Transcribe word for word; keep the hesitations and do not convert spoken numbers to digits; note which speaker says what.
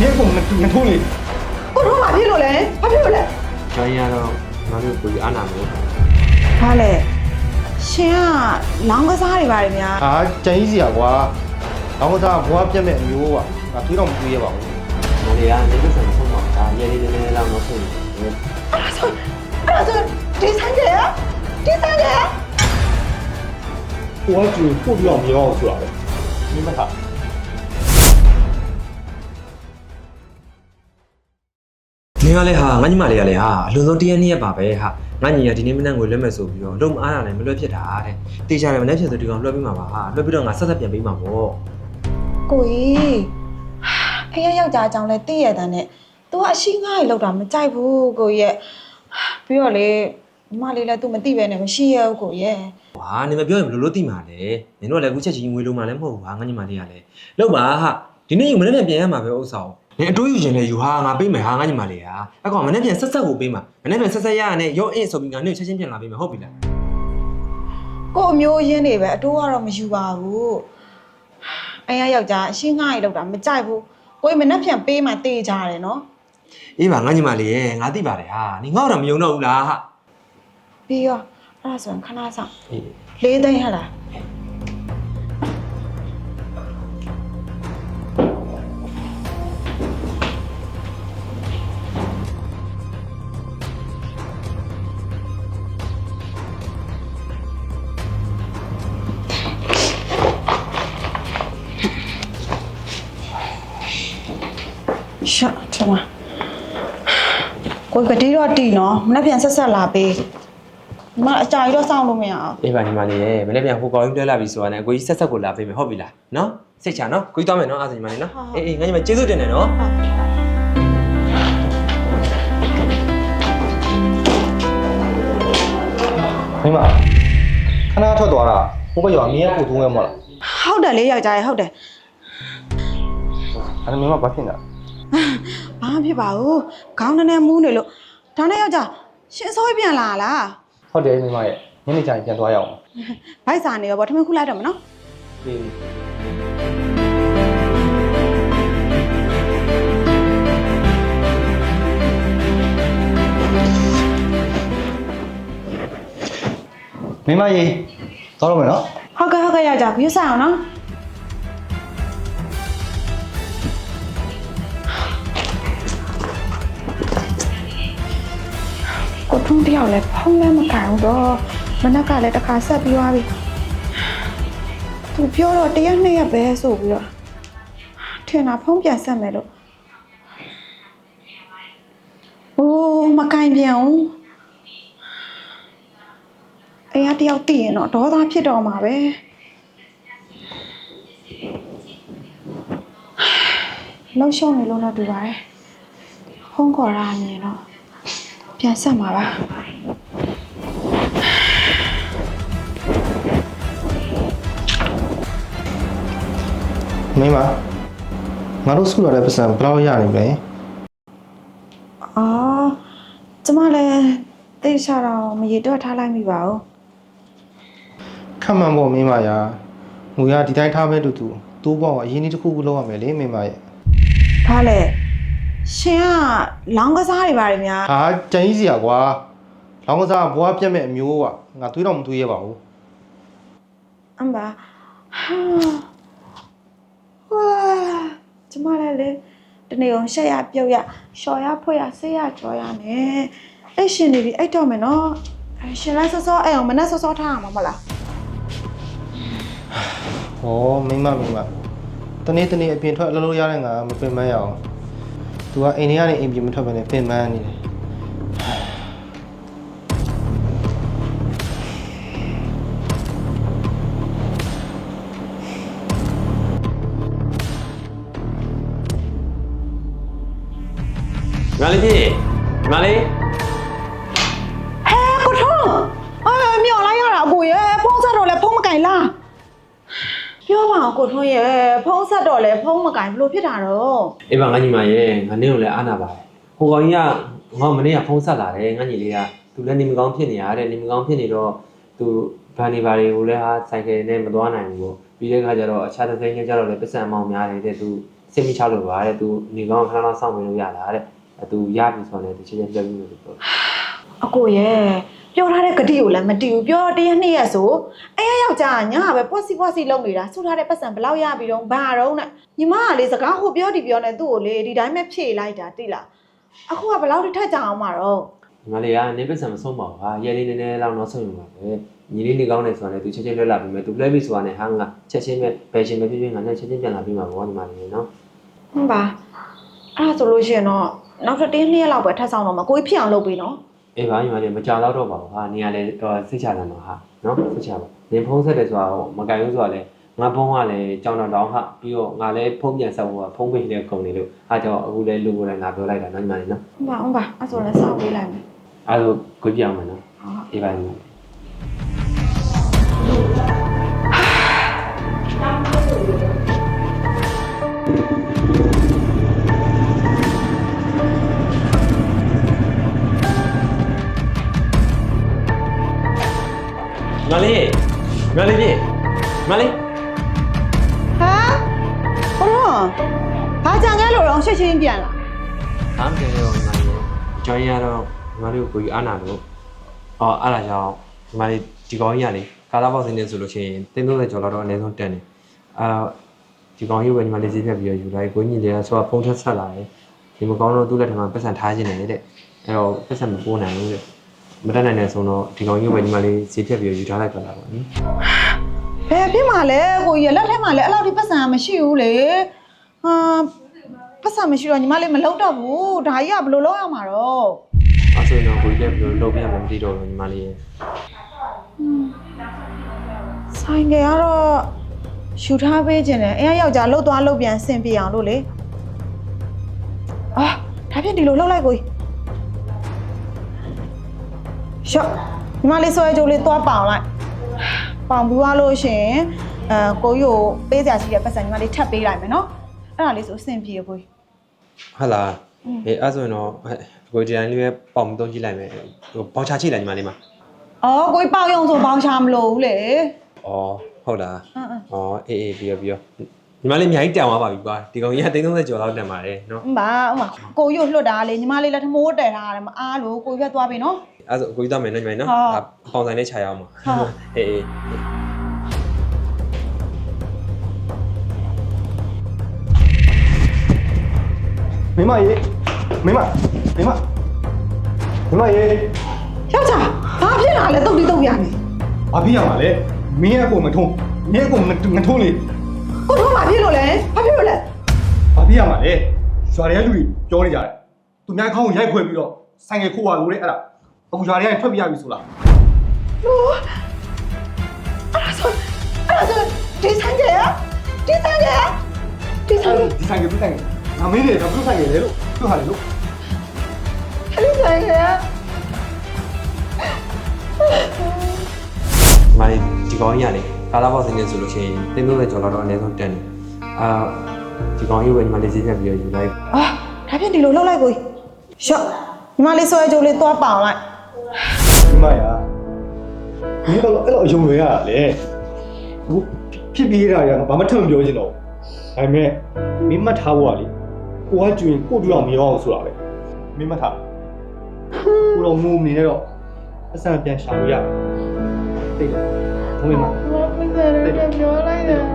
Speaker 1: 你也给我们们处理。
Speaker 2: 我说马屁了嘞，马屁了嘞。
Speaker 3: 咱家တော့ငါတို့ကိုအားနာမလို့
Speaker 2: ဘာလဲရှင်ကလောင်းကစားတွေပါတယ်ဗျာ
Speaker 1: 啊，真意思啊，我，然后他我变没有啊，啊，推到我们推吧。
Speaker 3: ငါတွေကနေလို့ဆိုဆုံးပါဒါရေလေးလေးလေးလောက်တော့ဆုံးတယ်
Speaker 2: အဲ့ဒါဆိုအဲ့ဒါဆိုဒီဆိုင်ကျရဒီဆိုင်ကျရ
Speaker 1: 我就不需要棉袄出来了，明白他？
Speaker 3: နေရလဲဟာငါညီမလေးရလဲဟာအလွန်ဆုံးတရက်နှစ်ရက်ပါပဲဟာငါညီရဒီနေ့မနက်ကိုလွှဲမယ်ဆိုပြီးတော့လုံးမအားတာနဲ့မလွှဲဖြစ်တာတဲ့တေချာတယ်မနေ့ဖြစ်ဆိုဒီကောင်လွှဲပေးမှာပါဟာလွှဲပြီးတော့ငါဆက်ဆက်ပြန်ပေးမှာပေါ့
Speaker 2: ကိုကြီးအေးယောက်ျားအကြောင်းလဲသိရတဲ့နဲ့ तू ကအရှိငါ့ရေလောက်တာမကြိုက်ဘူးကိုကြီးရဲ့ပြီးတော့လေညီမလေးလည်း तू မသိပဲနဲ့မရှိရဘူးကိုကြီးရဲ့
Speaker 3: ဟာနေမပြောရင်ဘယ်လိုလုပ်သိမှာလဲနင်တို့ကလည်းအခုချက်ချင်းငွေလုံးမှလည်းမဟုတ်ဘူးဟာငါညီမလေးကလည်းလောက်ပါဟာဒီနေ့ယူမနေ့ပြန်ပြန်ရမှာပဲဥစ္စာကိုနင်အတိုးယူခြင်းလဲယူဟာငါပေးမယ်ဟာငါညီမလေးဟာအကောင်မနေ့ပြန်ဆက်ဆက်ကိုပေးမှာမနေ့ပြန်ဆက်ဆက်ရရနဲ့ရောအင်းဆိုပြီးငါနေ့ချက်ချင်းပြန်လာပေးမယ်ဟုတ်ပြီလား
Speaker 2: ကိုအမျိုးရင်းနေပဲအတိုးကတော့မယူပါဘူးအေးယောက်ျားအရှိငါ့ရေလောက်တာမကြိုက်ဘူးကိုကြီးမနှက်ပြန်ပေးမှတေးကြတယ်နော်
Speaker 3: အေးပါငါညီမလေးရဲ့ငါသိပါတယ်ဟာနင်ငါ့တော့မယုံတော့ဘူးလားဟာ
Speaker 2: ပြီးရောအဲ့ဒါဆိုရင်ခဏဆောင်
Speaker 3: အေး
Speaker 2: လေးသိန်းဟလား ရှော့ချမကိုကတိတော့တီနော်မနေ့ပြန်ဆက်ဆက်လာပေးမအကြာကြီးတော့စောင့်လို့မရအောင်
Speaker 3: အေးပါညီမလေးရဲ့မနေ့ပြန်ဟိုကောင်ကြီးလွှဲလာပြီဆိုတာနဲ့အကိုကြီးဆက်ဆက်ကိုလာပေးမယ်ဟုတ်ပြီလားနော်စိတ်ချနော်ကိုကြီးသွားမယ်နော်အားစညီမလေးနော်အေးအေးငါညီမကျေးဇူးတင်တယ်နော်
Speaker 1: 明白。看他ထွက်သွားတာဟိုဘက်ရောမင်းရဲ့ကိုသုံးရဲမဟုတ်လား
Speaker 2: ဟုတ်တယ်လေယောက်ျားရေဟုတ်တယ်
Speaker 1: အဲ့ဒါမင်းမဘာဖြစ်နေတာ
Speaker 2: ဘာမှဖြစ်ပါဘူးခေါင်းနဲ့နဲ့မူးနေလို့ဒါနဲ့ယောက်ျားရှင်အစိုးရပြန်လာလား
Speaker 1: ဟုတ်တယ်မင်းမရဲ့ညနေကျရင်ပြန်သွားရအောင်
Speaker 2: ဗိုက်စာနေရောဗောထမင်းခုလိုက်တော့မနော်
Speaker 1: အေးမင်းမရေသွားတော့မယ်နော်
Speaker 2: ဟုတ်ကဲ့ဟုတ်ကဲ့ယောက်ျားခရစ်ဆိုင်အောင်နော်ကိုထုံးတယောက်လည်းဖုံးလည်းမကန်ဘူးတော့မနက်ကလည်းတစ်ခါဆက်ပြီးသွားပြီသူပြောတော့တရက်နှစ်ရက်ပဲဆိုပြီးတော့ထင်တာဖုံးပြန်ဆက်မယ်လို့အိုးမကန်ပြန်ဘူးအေးအတယောက်တည်ရင်တော့ဒေါသဖြစ်တော့မှာပဲလှုပ်ရှုံနေလို့တော့တူပါတယ်ဖုံးခေါ်ရမြင်တော့ပြန်ဆက်မှာပါ
Speaker 1: မင်းမငါတို့စုရတဲ့ပတ်စံဘယ်လောက်ရနေမလဲ
Speaker 2: အော်ကျမလည်းသိချတော့မရေတော့ထားလိုက်မိပါဘူး
Speaker 1: ခက်မှန်ဖို့မင်းမရာငွေရဒီတိုင်းထားမဲ့တူတူတိုးပေါက်အရင်ကြီးတစ်ခုခုလောက်ရမယ်လေမင်းမရဲ့
Speaker 2: ဘာလဲရှင်ကလောင်းကစားတွေပါတယ်များ
Speaker 1: ဟာကြံကြီးစီရကွာလောင်းကစားဘွားပြက်မဲ့အမျိုးကငါသွေးတော့မသွေးရပါဘူး
Speaker 2: အမ်ဘာဟာဝါကျမလည်းလေတနေ့အောင်ရှက်ရပြုတ်ရလျှော်ရဖွက်ရဆေးရကြော်ရနဲ့အဲ့ရှင်နေပြီအဲ့တော့မယ်နော်အဲ့ရှင်လည်းစောစောအဲ့အောင်မနဲ့စောစောထားအောင်မလား
Speaker 1: ဟောမင်းမမင်းမတနေ့တနေ့အပြင်ထွက်အလုပ်လုပ်ရတဲ့ငါမပင်ပန်းရအောင် तू ကအိမ်ထဲကနေအိမ်ပြင်မထွက်ဘဲနဲ့ပင်ပန်းနေတယ်
Speaker 3: ညီမလေးကြီးညီမလေး
Speaker 2: ဟဲကိုထုံးအာမြော်လိုက်ရတာအကိုရဲ့ဖုံးဆက်တော့လဲဖုံးမကင်လားပြောပါအောင်ကိုထုံးရဲ့ဖုံးဆက်တော့လဲဖုံးမကင်ဘလို့ဖြစ်တာတော့
Speaker 3: အေးပါငါညီမရဲ့ငါနေ့ကိုလည်းအားနာပါတယ်ဟိုကောင်ကြီးကငါမနေ့ကဖုန်းဆက်လာတယ်ငါညီလေးကသူလည်းနေမကောင်းဖြစ်နေရတဲ့နေမကောင်းဖြစ်နေတော့သူဗန်နေပါတွေကိုလည်းဟာဆိုင်ကယ်နဲ့မသွားနိုင်ဘူးပေါ့ပြီးတဲ့ခါကျတော့အခြားတစ်သိန်းကျတော့လည်းပတ်စံမောင်များတယ်တဲ့သူစိတ်မချလို့ပါတဲ့ तू နေကောင်းခဏလောက်စောင့်မလို့ရလားတဲ့ तू ရပြီဆိုတော့ तू ချင်းချင်းပြောပြီးလို့ပြော
Speaker 2: အကိုရဲ့ပြောထားတဲ့ဂတိကိုလည်းမတီးဘူးပြောတရက်နှစ်ရက်ဆိုအဲယောက်ျားညာပဲပွက်စီပွက်စီလုပ်နေတာဆူထားတဲ့ပတ်စံဘလောက်ရပြီတော့ဘာတော့နဲ့ညီမကလေစကားဟိုပြောဒီပြောနေသူ့ကိုလေဒီတိုင်းပဲဖြေလိုက်တာတိလားအခုကဘလောက်ထိထက်ကြအောင်မှာတော့
Speaker 3: ညီမလေးကနေပတ်စံမဆုံးပါဘူးဟာရဲလေးနည်းနည်းလောက်တော့ဆုံးယူပါပဲညီလေးနေကောင်းနေဆိုတော့ तू ချက်ချင်းလွတ်လာပြီမဲ့ तू လွှဲပြီဆိုတာနဲ့ဟာငါချက်ချင်းပဲဘယ်ချင်းပဲဖြစ်ဖြစ်ငါနဲ့ချက်ချင်းပြန်လာပြီးမှာပေါ့ညီမလေးနော်
Speaker 2: ဟုတ်ပါအဲ့ဒါဆိုလို့ရှိရင်တော့နောက်တစ်တင်းနှစ်ရက်လောက်ပဲထပ်ဆောင်တော့မှာကိုကြီးဖြစ်အောင်လုပ်ပေးနော်
Speaker 3: အေးပါညီမလေးမကြောက်တော့ပါဘူးဟာနေရလဲတော့စိတ်ချလာမှာဟာနော်စိတ်ချပါနေဖုံးဆက်တယ်ဆိုတာမကင်ဘူးဆိုတာလဲငါဖုံးကလည်းကြောင်တောင်ဟာပြီးတော့ငါလည်းဖုံးပြန်ဆက်ဖို့ကဖုံးပိတ်တဲ့ကုန်နေလို့အားကြောင့်အခုလဲလူကိုယ်တိုင်ငါပြောလိုက်တာနော်ညီမလေးနော်
Speaker 2: ဟုတ်ပါဟုတ်ပါအဲ့ဆိုလည်းစောင့်ပေးလိုက်မယ်
Speaker 3: အဲ့လိုကိုပြောင်းမယ်နော်
Speaker 2: ဟုတ်
Speaker 3: အေးပါညီမလေးမလေးမလေးပြေမလေး
Speaker 2: ဟာဘလို့ဘာကြံခဲ့လို့တော့ရှက်ချင်းပြန်လာ
Speaker 3: အားမကဲရောညီမလေးကျောင်းရတော့ညီမလေးကိုကိုကြီးအားနာလို့အော်အားလာကြောင်းညီမလေးဒီကောင်းကြီးကလေကာလာဘောက်စင်းနေဆိုလို့ရှိရင်တင်းသုံးဆယ်ကျော်လောက်တော့အနည်းဆုံးတက်နေအာဒီကောင်းကြီးပဲညီမလေးဈေးဖြတ်ပြီးတော့ယူလိုက်ကိုကြီးလည်းဆိုတော့ဖုန်းထက်ဆက်လာတယ်ဒီမကောင်းတော့သူ့လက်ထမှာပတ်စံထားခြင်းတယ်တဲ့အဲ့တော့ပတ်စံမပိုးနိုင်ဘူးတဲ့မတက်နိုင်တဲ့ဆိုတော့ဒီကောင်းကြီးပဲညီမလေးဈေးဖြတ်ပြီးတော့ယူထားလိုက်ကြတာပါနိ
Speaker 2: ဘယ်ဖြစ်မှာလဲကိုကြီးလက်ထက်မှာလည်းအဲ့လောက်ထိပတ်စံမရှိဘူးလေဟာပတ်စံမရှိတော့ညီမလေးမလုပ်တော့ဘူးဒါကြီးကဘယ်လိုလုပ်ရမှာတော့
Speaker 3: အဲ့ဆိုရင်တော့ကိုကြီးလည်းဘယ်လိုလုပ်ပြရမလဲမသိတော့ဘူးညီမလေးရဲ့
Speaker 2: ဆိုင်ကကတော့ယူထားပေးခြင်းတယ်အဲယောက်ျားလှုပ်သွားလှုပ်ပြန်ဆင်ပြေအောင်လို့လေအာဒါဖြင့်ဒီလိုလှုပ်လိုက်ကိုကြီးရှော့ညီမလေးဆွဲကြိုးလေးသွားပေါင်လိုက်ပေါင်ပြီးသွားလို့ရှိရင်အဲကိုကြီးကိုပေးစရာရှိတဲ့ပတ်စံညီမလေးထပ်ပေးလိုက်မယ်နော်အဲ့ဒါလေးဆိုအဆင်ပြေကိုကြီး
Speaker 3: ဟုတ်လားအေးအဲ့ဆိုရင်တော့ကိုဒီတိုင်းလေးပဲပေါင်သုံးကြည့်လိုက်မယ်ဟိုပေါင်ချချိလိုက်ညီမလေးမှာ
Speaker 2: အော်ကိုကြီးပေါင်ရုံဆိုပေါင်ချမလို့ဘူးလေ
Speaker 3: ဩဟုတ်လား
Speaker 2: အင်းအင်း
Speaker 3: ဩအေးအေးပြီးရောပြီးရောညီမလေးအများကြီးတန်သွားပါပြီကွာဒီကောင်ကြီးကတိန်းသုံးဆယ်ကျော်လောက်တန်ပါတယ်နော်
Speaker 2: ဥမာဥမာကိုကြီးကိုလွတ်တာလေညီမလေးလက်ထမိုးတည်ထားရတယ်မအားလို့ကိုကြီးပဲသွားပြီနော်
Speaker 3: အဲ့ဆိုကိုကြီးသွားမယ်နော်ညီမလေးနော်
Speaker 2: ဟုတ်
Speaker 3: ဒါပေါင်ဆိုင်လေးခြာရအောင်ပါ
Speaker 2: ဟုတ်
Speaker 3: အေးအေး
Speaker 1: မိမရေမိမမိမမိမရေ
Speaker 2: ယောက်ျားဘာဖြစ်လာလဲတုတ်တိတုတ်ပြနေ
Speaker 1: ဘာဖြစ်ရမှာလဲမင်းအကိုမထုံးမင်းအကိုငထုံးလေ
Speaker 2: ကိုတို့ဘာဖြစ်လို့လဲဘာဖြစ်လို့လဲ
Speaker 1: ဘာဖြစ်ရမှာလဲရွာတွေကလူတွေပြောနေကြတယ်သူများခေါင်းကိုရိုက်ခွဲပြီးတော့ဆိုင်ငယ်ခိုးရလို့လေအဲ့ဒါအခုရွာတွေကထွက်ပြရပြီဆိုလား
Speaker 2: လို့အဲ့ဒါဆိုအဲ့ဒါဆိုဒီဆိုင်ကဒီဆိုင်ကဒီဆိုင်က
Speaker 1: ဒီဆိုင်ကပြဆိုင်ကငါမင်းတွေကဘုဆိုင်ကလေလို့သူဟာလေလို့
Speaker 2: အဲ့ဒီဆိုင်က
Speaker 3: ညီမလေးဒီကောင်ကြီးကလေကာလာဘောက်စင်းနေဆိုလို့ရှိရင်တင်းသုံးဆယ်ကျော်လောက်တော့အနည်းဆုံးတက်နေအာဒီကောင်ကြီးပဲညီမလေးဈေးဖြတ်ပြီးတော့ယူလိုက်
Speaker 2: အာဒါဖြင့်ဒီလိုလှုပ်လိုက်ကိုရှော့ညီမလေးဆွဲကြိုးလေးသွားပေါင်လိုက်
Speaker 1: မိမရာမင်းကတော့အဲ့လိုအယုံတွေရတာလေအခုဖြစ်ပြီးရတာကဘာမှထပ်မပြောချင်တော့ဘူးဒါပေမဲ့မင်းမှတ်ထားဖို့ကလေကိုကကျွင်ကိုတူအောင်မရောအောင်ဆိုတာပဲမင်းမှတ်ထားကိုတော့ငုံနေတော့အဆန်ပြန်ရှာလို့ရတယ်သိတယ်ဘုံမင်းမ
Speaker 2: မမစရတဲ့ပြောလိုက်တယ်